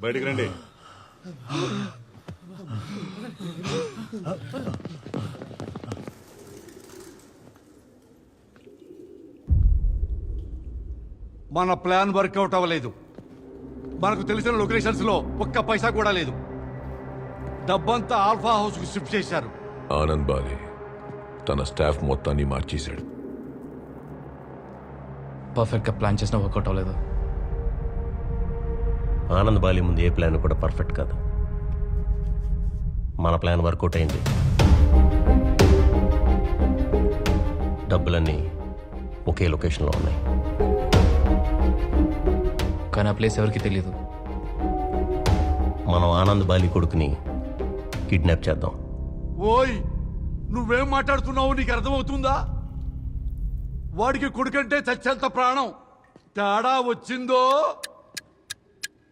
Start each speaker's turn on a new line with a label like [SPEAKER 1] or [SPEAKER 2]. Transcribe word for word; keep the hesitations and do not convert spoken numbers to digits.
[SPEAKER 1] బయటికి రండి.
[SPEAKER 2] మన ప్లాన్ వర్కౌట్ అవ్వలేదు. మనకు తెలిసిన లొకేషన్స్ లో ఒక్క పైసా కూడా లేదు. డబ్బంతా ఆల్ఫా హౌస్ కు షిఫ్ట్ చేశారు.
[SPEAKER 3] ఆనంద్ బాలి తన స్టాఫ్ మొత్తాన్ని మార్చేశాడు.
[SPEAKER 4] పర్ఫెక్ట్ గా ప్లాన్ చేసినా వర్కౌట్ అవ్వలేదు.
[SPEAKER 5] ఆనంద్ బాలి ముందు ఏ ప్లాన్ కూడా పర్ఫెక్ట్ కాదు. మన ప్లాన్ వర్కౌట్ అయింది. డబ్బులన్నీ ఒకే లొకేషన్లో ఉన్నాయి.
[SPEAKER 4] కానీ ఆ ప్లేస్ ఎవరికి తెలియదు.
[SPEAKER 5] మనం ఆనంద్ బాలి కొడుకుని కిడ్నాప్ చేద్దాం.
[SPEAKER 2] ఓయ్, నువ్వేం మాట్లాడుతున్నావు? నీకు అర్థమవుతుందా? వాడికి కొడుకంటే చచ్చేంత ప్రాణం. తేడా వచ్చిందో